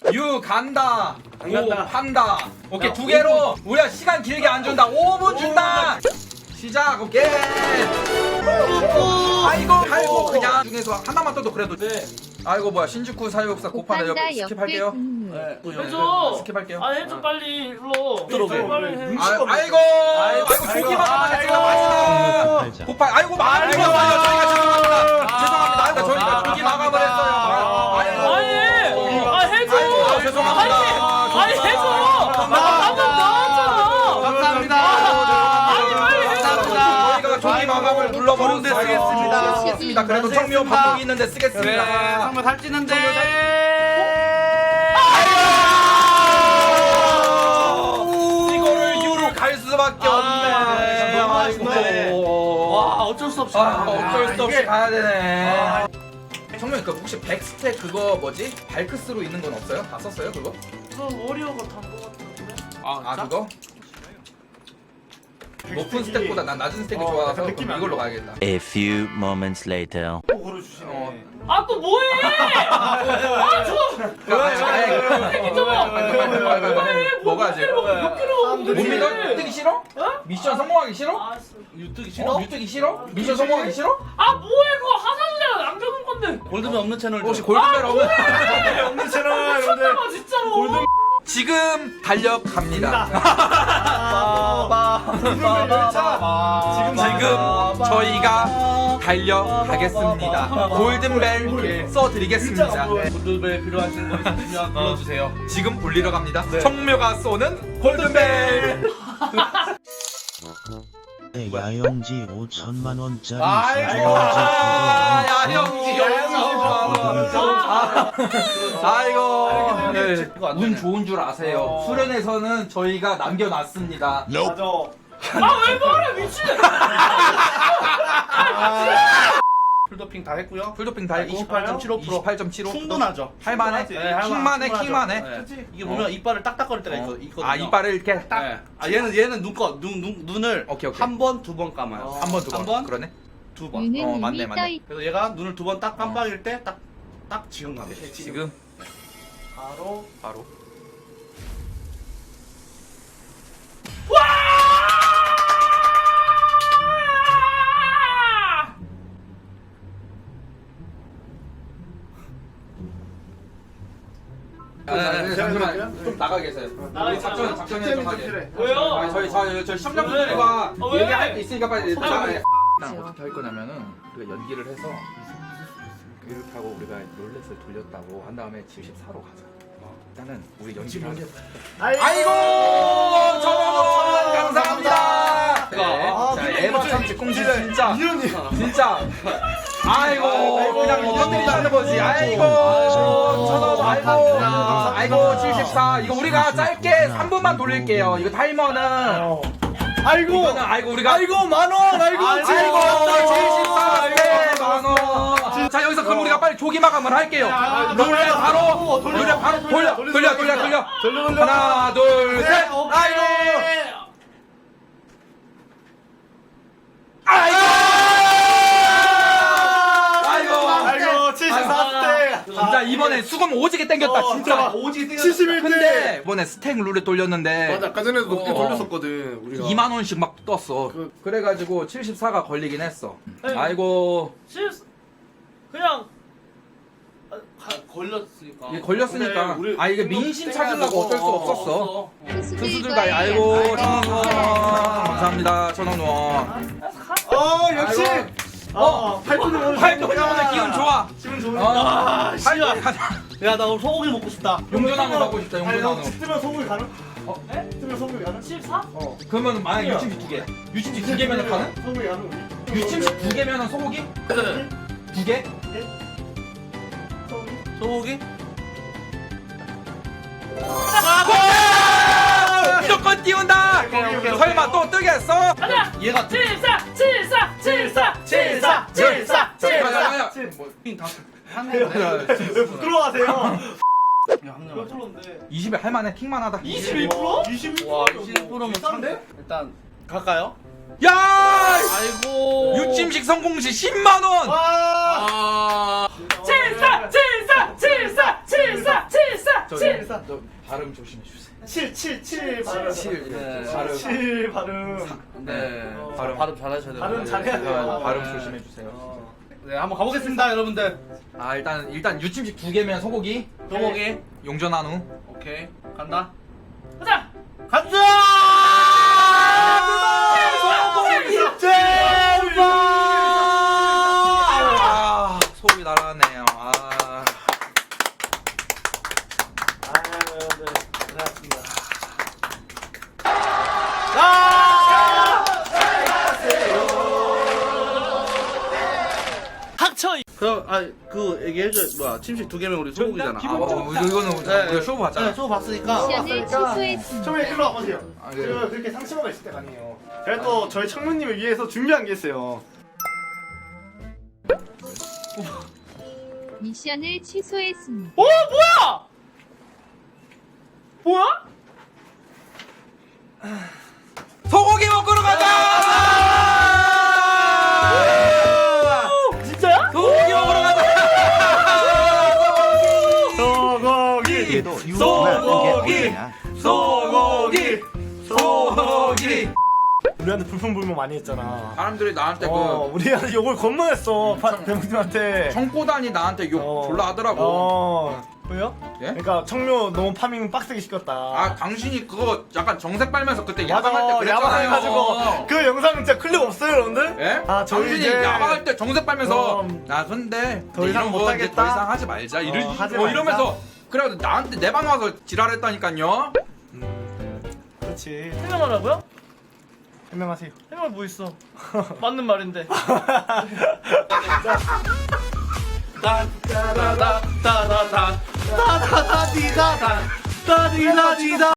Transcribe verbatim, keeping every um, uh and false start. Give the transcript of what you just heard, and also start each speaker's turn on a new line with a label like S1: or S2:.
S1: 유 간다.
S2: 안
S1: 오
S2: 간다.
S1: 판다. 오케이
S2: 야,
S1: 두 개로 우리가 시간 길게 안 준다. 오 분 준다. 시작. 오케이. 아이고 아이고 그냥 중에서 하나만 떠도 그래도.
S2: 네.
S1: 아이고 뭐야 신주쿠 사육사 고파다
S3: 오판다
S1: 여기 스킵할게요.
S3: 옆에 국물.
S2: 네. 또
S4: 해줘.
S1: 스킵할게요.
S4: 아 해줘 빨리 일로.
S2: 들어오게.
S4: 빨리 해.
S1: 아, 아이고 아이고 조기만 하겠습니다. 마지막 고파 아이고 많이 죽었어요. 저희가 죄송합니다. 죄송합니다. 아이고 저희가 조기 마감을 했어요. 아이고
S4: 아니. 아 해줘.
S1: 아이고, 죄송합니다.
S4: 아니 아니 해줘. 나한번 나왔잖아.
S2: 감사합니다.
S4: 아니 빨리 해줘.
S1: 저희가 조기 마감을 눌러버렸는데 쓰겠습니다.
S3: 아이고.
S1: 쓰겠습니다. 그래도 청묘 바꾸기 있는데 쓰겠습니다.
S2: 한번 살찌는데.
S1: 이거를 유로 갈 수밖에 없네.
S2: 너무 아쉽네. 와 어쩔 수 없이.
S1: 아, 어쩔 수 없이
S2: 이게-
S1: 가야 되네. 청룡 그 혹시 백스택 그거 뭐지? 발크스로 있는 건 없어요? 다 썼어요 그거?
S4: 저 워리어가 단거 같은데.
S1: 아 그거? 높은 스택보다 난 낮은 스택이
S2: 어,
S1: 좋아서
S2: 약간 느낌이
S1: 그럼
S2: 안
S1: 이걸로
S2: 좋아.
S1: 가야겠다.
S5: A few moments later.
S2: 또 걸어주시네.
S1: 어.
S4: 아 또 뭐해? 아저
S1: 뭐가 지
S4: 몇 킬로
S1: 못 믿어? 뜨기 싫어? 미션 성공하기 싫어?
S4: 아,
S2: 유튜브
S1: 어?
S2: 싫어?
S1: 유뜨기 싫어? 미션 성공하기 싫어?
S4: 아 뭐해 그거 하산이랑 남겨둔 건데.
S2: 골드맨 없는 채널.
S1: 혹시 골든벨 없는?
S2: 없는 채널.
S4: 미쳤나봐 진짜로.
S1: 지금 달려갑니다.
S2: 지금
S1: 지금 저희가 달려가겠습니다. 골든벨 써드리겠습니다.
S2: 골드벨 필요하신 분 있으면 불러주세요.
S1: 지금 울리러 갑니다. 청묘가 쏘는 골든벨.
S5: 네, 야영지 오천만 원짜리
S2: 아이고.
S1: 아, 야영지 아이고. 네, 운 좋은 줄 아세요. 수련에서는 저희가 남겨놨습니다.
S2: 맞아.
S4: 아왜 말해 미친.
S2: 풀도핑 다 했고요.
S1: 풀도핑 다 했고
S2: 이십팔 점 칠오 퍼센트.
S1: 이십팔 점 칠오
S2: 충분하죠.
S1: 할만해?
S2: 네, 할만-
S1: 킹만해
S2: 충분하죠.
S1: 킹만해.
S2: 네. 이게 보면 이빨을 딱딱거릴 때가 있거, 있거든요.
S1: 아 이빨을 이렇게 딱
S2: 네. 아 얘는 얘는 눈꺼 눈, 눈 눈을
S1: 오케이, 오케이.
S2: 한 번 두 번 감아요.
S1: 한 번 두 번.
S2: 한 번,
S1: 그러네.
S2: 두 번.
S3: 유는
S1: 어,
S3: 이미
S1: 맞네, 맞네.
S3: 떠있.
S2: 그래서 얘가 눈을 두 번 딱 깜빡일 때 딱 딱 지금 감아요.
S1: 지금
S2: 바로
S1: 바로. 아, 네, 네, 잠시만 좀 나가 계세요.
S4: 나가
S1: 우리 작전
S4: 있어요.
S1: 작전에 좀 하게.
S4: 왜요?
S1: 아, 저희 저희 저희 시청자분들과
S4: 아, 왜?
S1: 얘기할 게 있으니까 빨리
S4: 아,
S1: 나가.
S4: 왜?
S1: 난 어떻게 할 거냐면은 우리가 연기를 해서 이렇게 하고 우리가 롤렛을 돌렸다고 한 다음에 칠십사로 가자. 일단은 우리 연기를 하자. 아이고 천원 감사합니다. 네.
S2: 아,
S1: 자
S2: 근데
S1: 에바
S2: 이거
S1: 참치 꽁치
S2: 진짜
S1: 진짜
S2: 이현이.
S1: 진짜 아이고 그냥 이것들이 하는 거지. 아이고 천원 아이고 아이고 칠십사 이거 우리가 짧게 삼 분만 돌릴게요. 이거 타이머는
S2: 아이고
S1: 이거는 아이고 우리가
S2: 아이고 만원 아이고
S1: 아이고 칠십사 네 만원. 자 여기서 그럼 우리가 빨리 조기 마감을 할게요. 롤렛 바로 롤렛 바로 돌려 돌려 돌려 돌려 하나 둘 셋. 아이고 아이고 아이고
S2: 아이고 칠십사 대.
S1: 진짜 이번에 수금 오지게 땡겼다 진짜.
S2: 오지
S6: 칠십일 대.
S1: 근데 이번에 스택 룰렛 돌렸는데
S6: 맞아, 아까 전에도 높게
S1: 어.
S6: 돌렸었거든 우리가.
S1: 이만 원씩 막 떴어.
S6: 그-
S1: 그래가지고 칠십사가 걸리긴 했어.
S4: 네.
S1: 아이고
S4: 실 그냥 아,
S2: 가, 걸렸으니까.
S1: 이게 걸렸으니까.
S6: 근데 우리
S1: 아 이게 민심 찾으려고 어쩔 수 없었어.
S3: 투수들과의
S1: 투수들과의 아이고
S3: 양다리
S1: 천원 원
S3: 사랑.
S1: 감사합니다 천원 원.
S6: 어 역시.
S1: 아이고.
S6: 어 팔뚝이 오늘
S1: 활동이 오늘 기운 좋아.
S6: 기분 좋네.
S1: 아
S2: 씨발.
S1: 활동이 가자.
S2: 야나 오늘 소고기 먹고 싶다.
S1: 용전왕으로 가고 싶다
S6: 아니 형
S1: 용전왕으로.
S6: 뜨면 소고기 가능?
S1: 어?
S6: 네? 뜨면 소고기 가능?
S4: 십사?
S1: 어 그러면 만약 유침식 두 개. 유침식 두 개면은 가는?
S6: 소고기 가능 우리.
S1: 유침식 두 개면은 소고기? 두 개?
S6: 소고기?
S2: 소고기?
S1: 무조건 띄운다. 설마 또 뜨겠어?
S4: 가자.
S2: 얘가
S4: 칠사 칠사 칠사 칠사 칠사 칠사.
S6: 왜 부끄러워하세요?
S4: 몇 프로인데?
S1: 이십에 할만해 킹만하다.
S4: 이십일 퍼센트?
S6: 이십일
S2: 와 이십일 퍼센트면
S6: 비싼데?
S2: 일단 갈까요?
S1: 야!
S2: 아이고.
S1: 유침식 성공시 십만 원.
S6: 와.
S2: 아.
S4: 칠사 칠사 칠사 칠사 칠사 칠사
S6: 사.
S1: 저 발음 조심해 주세요.
S6: 칠, 칠, 칠 발음.
S1: 칠,
S4: 네.
S1: 발음.
S6: 칠 발음.
S4: 네.
S6: 어.
S4: 발음 발음 잘하셔야 돼요.
S6: 발음 잘해야 돼요.
S1: 발음
S4: 네.
S1: 조심해 주세요.
S6: 어.
S4: 네, 한번 가보겠습니다, 여러분들.
S1: 아 일단 일단 유침식 두 개면 소고기.
S4: 소고기.
S1: 용전 한우.
S4: 오케이. 간다.
S6: 가자.
S4: 간다!
S1: 아 소고기 날아갔네요. 아.
S6: 아유, 네. 고생하셨습니다.
S4: 그, 아, 그 얘기해줘. 뭐야, 침식 두 개면 우리 소고기잖아.
S1: 아, 어, 이거- 이거는
S4: 네,
S1: 우리가 쇼부 봤잖아.
S4: 네, 쇼부 봤으니까.
S3: 미션을 취소했습니다.
S6: 청문회 일로 와보세요.
S1: 아, 네.
S6: 제가 그렇게 상처가 있을 때가 아니에요. 제가 또 저희 청문님을 위해서 준비한 게 있어요.
S3: 미션을 취소했습니다.
S6: 어 뭐야? 뭐야?
S1: 소고기 먹으러 가자!
S6: 진짜야?
S1: 소고기 먹으러 가자!
S6: 소고기.
S1: 소고기! 소고기! 소고기!
S6: 우리한테 불평불만 많이 했잖아.
S1: 사람들이 나한테
S6: 어, 우리한테 욕을 겁먹었어.
S1: 청-
S6: 대문님한테.
S1: 그 청포단이 나한테 욕
S6: 어.
S1: 졸라 하더라고.
S6: 어. 왜요?
S1: 예?
S6: 그러니까 청묘 너무 파밍 빡세게 시켰다.
S1: 아 당신이 그거 약간 정색 빨면서 그때
S6: 맞아,
S1: 야방할 때 그랬잖아요.
S6: 야방해가지고 그 영상 진짜 클립 없어요, 여러분들?
S1: 예?
S6: 아, 저희
S1: 당신이
S6: 이제
S1: 야방할 때 정색 빨면서
S6: 음,
S1: 야 근데
S6: 더 이상
S1: 이런 거
S6: 못하겠다?
S1: 이제 더 이상 하지 말자 이러,
S6: 어, 하지
S1: 뭐
S6: 말자.
S1: 이러면서 그래가지고 나한테 내 방 와서 지랄했다니까요.
S6: 그렇지.
S7: 해명하라고요?
S6: 해명하세요.
S7: 해명할 뭐 있어? 맞는 말인데.
S4: 따다다다다다. 따다다디다다. 따디다디다.